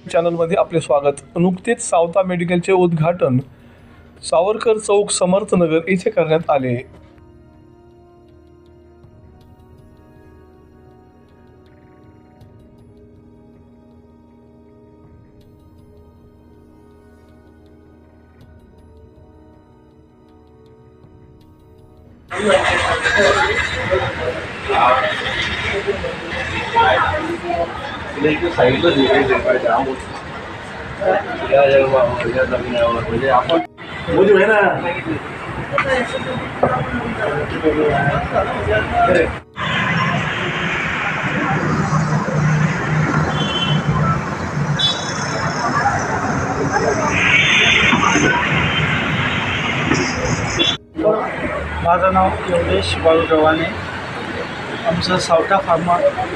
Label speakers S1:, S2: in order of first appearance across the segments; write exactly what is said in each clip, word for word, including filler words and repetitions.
S1: चॅनलमध्ये आपले स्वागत। नुकतेच सावता मेडिकलचे उद्घाटन सावरकर चौक समर्थनगर येथे करण्यात आले।
S2: साइड जाम म्हणजे आपण बोलू आहे ना।
S3: माझं नाव योगेश बाळू गव्हाणे। आमचं सावटा फार्मा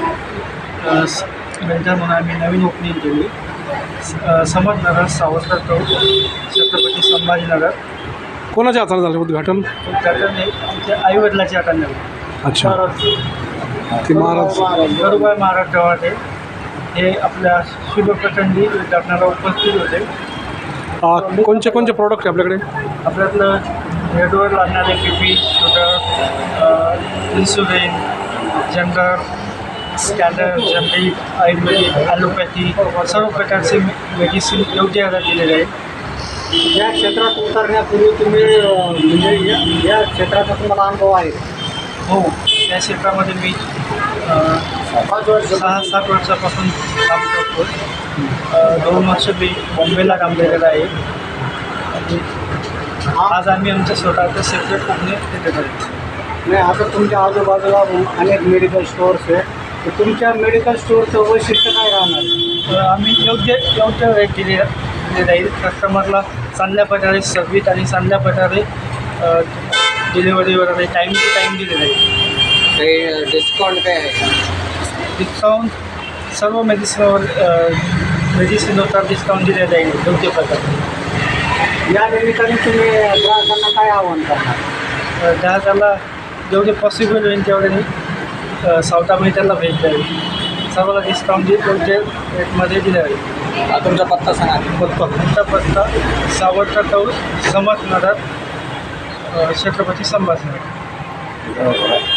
S3: वेंचर म्हणून आम्ही नवीन ओपनिंग केली। समर्थनगर सावरकर चौक छत्रपती संभाजीनगर।
S4: कोणाच्या हाताने झालं उद्घाटन?
S3: उद्घाटन हे आमच्या आईवडिलाच्या हाताने झालं।
S4: अच्छा, ते महाराज
S3: गरुबाई महाराज गव्हाणे हे आपल्या शुभप्रसंगी उद्घाटनाला उपस्थित होते।
S4: आ, कोणते कोणते प्रोडक्ट आहे आपल्याकडे?
S3: आपल्यातलं हेडवर लागणारे B P, sugar, insulin, general, scanner, generic, Ayurvedic, allopathy सर्व प्रकारचे मेडिसिन योग्य दरात दिलेले आहेत।
S5: या क्षेत्रात उतरण्यापूर्वी तुम्ही म्हणजे या या क्षेत्राचा तुम्हाला अनुभव आहे?
S3: हो, या क्षेत्रामध्ये मी पाच वर्ष सहा सात वर्षापासून काम करतो। दोन वर्ष मी बॉम्बेला काम केलेलं आहे आणि आज आम्ही आमच्या स्वतःचं सेपरेट कंपनी तिथे करतो।
S5: नाही, आता तुमच्या आजूबाजूला अनेक मेडिकल स्टोअर्स आहे, तर तुमच्या मेडिकल स्टोअरचं वैशिष्ट्य काय राहणार?
S3: आम्ही योग्य योग्य वेळ दिले दिले जाईल कस्टमरला, चांगल्या प्रकारे सर्विस आणि चांगल्या प्रकारे डिलिव्हरी वगैरे टाईम टू टाईम दिले जाईल।
S5: काही डिस्काउंट काय आहे?
S3: डिस्काउंट सर्व मेडिसिनवर मेडिसिनवर डिस्काउंट दिले जाईल योग्य प्रकारे।
S5: या निमित्ताने तुम्ही ग्राहकांना काय आव्हान करणार?
S3: ग्राहकाला जेवढे पॉसिबल होईल तेवढे सावता मेडिकलला भेट द्यावी। सर्वांना डिस्काउंट देत योग्य रेटमध्ये दिले जाईल।
S5: तुमचा पत्ता सांगा।
S3: पत्ता तुमचा पत्ता सावरकर चौक समर्थनगर छत्रपती संभाजीनगर।